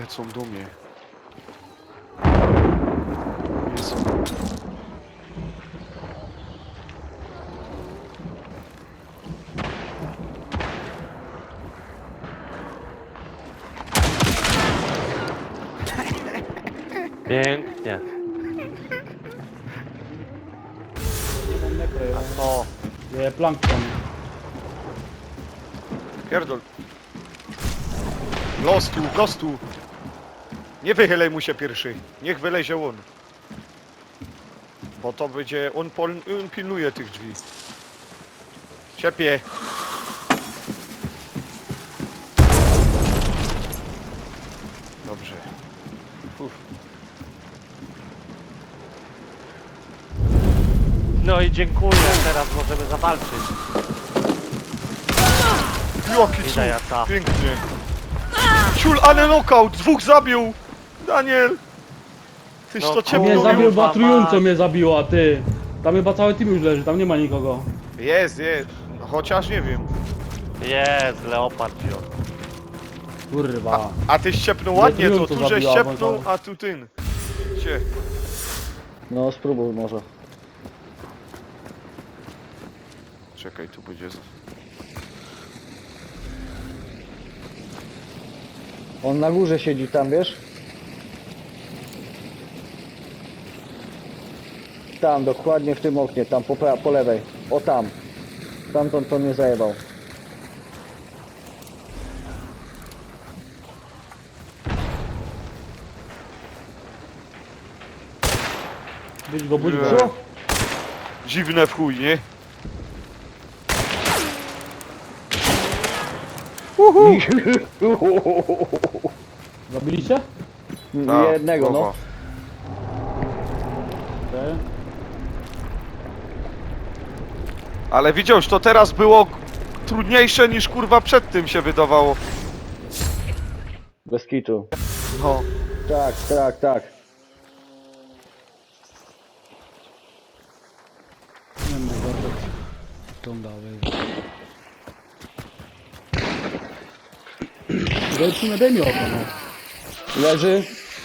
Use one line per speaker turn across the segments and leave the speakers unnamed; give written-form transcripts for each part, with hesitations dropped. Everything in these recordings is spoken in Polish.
lecą do mnie. Jest.
Pięknie. A to...
Je plankton.
Pierdol. Los tu. Nie wychylaj mu się pierwszy. Niech wylezie on. Bo to będzie... On pilnuje tych drzwi. Ciepie. Dobrze. Uf.
No i dziękuję, teraz możemy zawalczyć.
Jaki
Widzę jaka.
cud. Pięknie. Ciul, ale knockout. Dwóch zabił. Daniel. Tyś
No
to
kurwa.
Mnie
ciepło
zabił,
miał.
bo trójząco mnie zabiła, ty. Tam chyba cały team już leży, tam nie ma nikogo.
Jest. Chociaż nie wiem.
Jest, leopard wziął.
Kurwa.
A ty ściepnął
Nie,
ładnie, to
trójząco
tu żeś
zabiła,
ściepnął,
bo to-
a tu tyn. Cie.
No spróbuj może.
Czekaj, tu będzie...
On na górze siedzi tam, wiesz? Tam, dokładnie w tym oknie, tam po lewej. O tam. Tamtąd to mnie zajebał.
Budź go, budź
Nie.
go.
Co?
Dziwne w chuj, nie?
Zabiliście?
Ta,
Jednego, no.
głowa.
Okej.
Ale widziałeś, to teraz było trudniejsze niż kurwa przed tym się wydawało.
Bez kitu.
No.
Tak.
Nie wiem, Bartek. Tą dalej. Zobaczymy, daj mi oko, no.
Leży.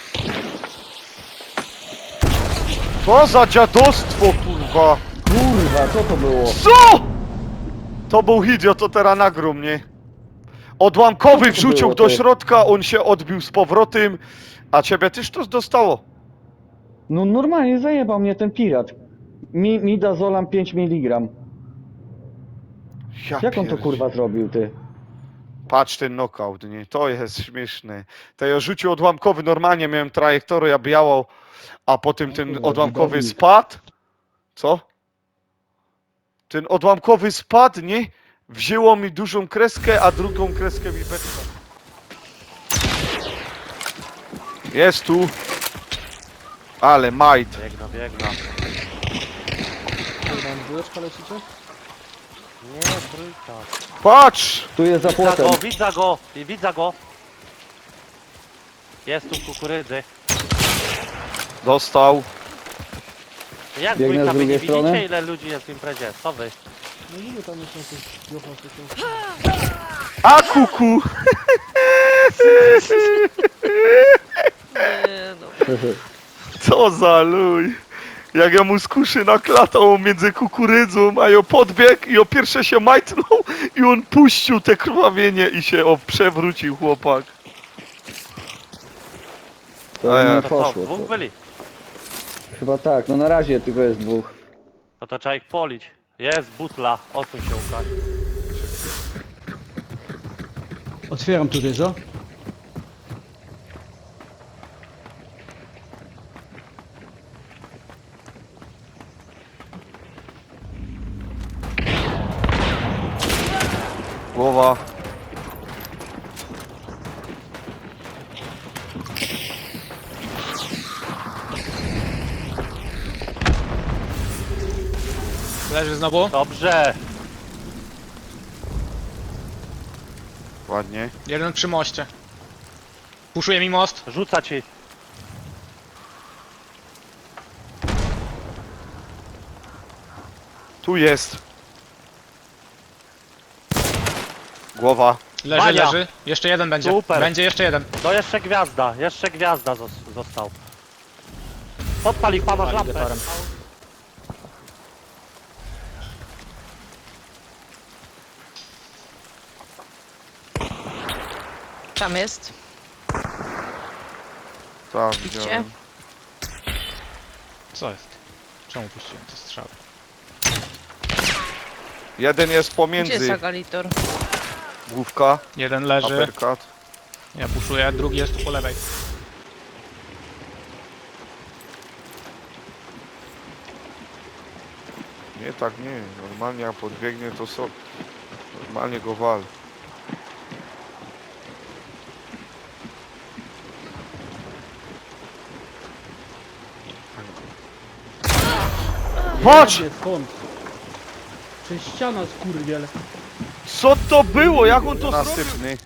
Co za dziadostwo, kurwa!
Kurwa, co to było?
Co?! To był hit, to teraz nagrał mnie. Odłamkowy
Co to
wrzucił
było,
do
ty?
środka, on się odbił z powrotem, a ciebie też to dostało.
No normalnie zajebał mnie ten pirat. Midazolam 5 mg.
Ja
Jak on to
pierdzie-
kurwa zrobił, ty?
Patrz ten knockout, nie? To jest śmieszne. To ja rzucił odłamkowy, normalnie miałem trajektorię białą, a potem ten
kurwa,
odłamkowy
budownik.
spadł. Co? Ten odłamkowy spadł, nie? Wzięło mi dużą kreskę, a drugą kreskę mi beczka. Jest tu. Ale majt.
Biegna.
Dwójeczka lecicie?
Nie, trójka.
Patrz!
Tu jest za płotem.
Widzę go. Jest tu kukurydzy.
Dostał.
Jak
Biegnę
dwójka,
z
wy nie
drugiej
widzicie
strony.
ile ludzi jest w imprezie? Co wy?
No niby tam jest jakieś jocha,
A kuku!
Nie no.
Co za luj! Jak ja mu skuszy naklatał między kukurydzą, a ja podbiegł i o pierwsze się majtnął i on puścił te krwawienie i się przewrócił chłopak.
To
A ja-
nie
To co,
poszło.
dwóch byli?
Chyba tak, no na razie tylko jest dwóch.
No to trzeba ich polić. Jest butla, odsuń się Łukasz.
Otwieram tutaj, co?
Głowa.
Leży znowu.
Dobrze.
Ładnie.
Jeden przy moście. Puszuje mi most.
Rzuca ci.
Tu jest. Głowa.
Leży,
Bania.
leży. Jeszcze jeden będzie.
Super.
Będzie jeszcze jeden.
No jeszcze gwiazda został. Podpal ich, pan masz lampę.
Aligatorem.
Tam jest.
Tak,
Gdzie?
widziałem.
Co jest? Czemu puściłem te strzały?
Jeden jest
Gdzie
pomiędzy.
jest Agalitor?
Główka,
Jeden leży.
uppercut.
Ja puszuję, drugi jest tu po lewej.
Nie, tak nie. Normalnie jak podbiegnie to so... Normalnie go wal. Patrz!
Nie, skąd? Przez ściana skurwiel.
Co to było? Jak on to zrobił? Nasypny.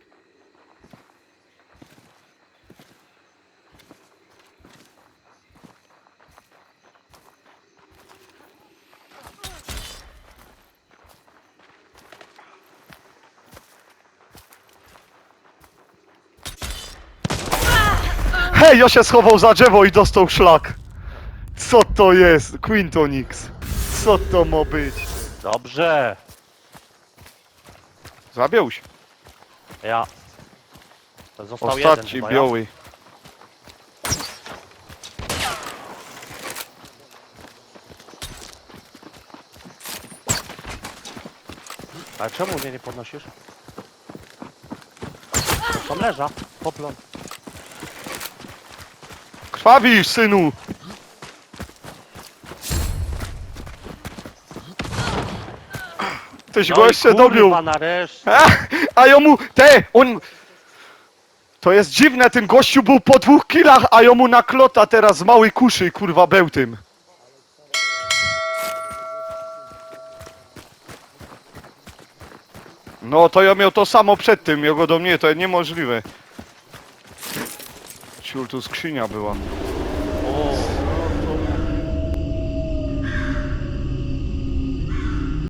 Hej, ja się schował za drzewo i dostał szlak. Co to jest? Quintonix. Co to ma być?
Dobrze.
Zabił się.
Ja. Został jeden
Ostatni
chyba,
biały.
Ja. Ale czemu mnie nie podnosisz? Tam leża. Poplon.
Krwawisz, synu! Tyś go jeszcze dobił.
nareszcie.
A ja mu... To jest dziwne, ten gościu był po 2 killach, a ja mu na klota teraz z małej kuszy, kurwa, bełtym. No, to ja miał to samo przed tym, jego do mnie, to niemożliwe. Ciul, tu skrzynia była.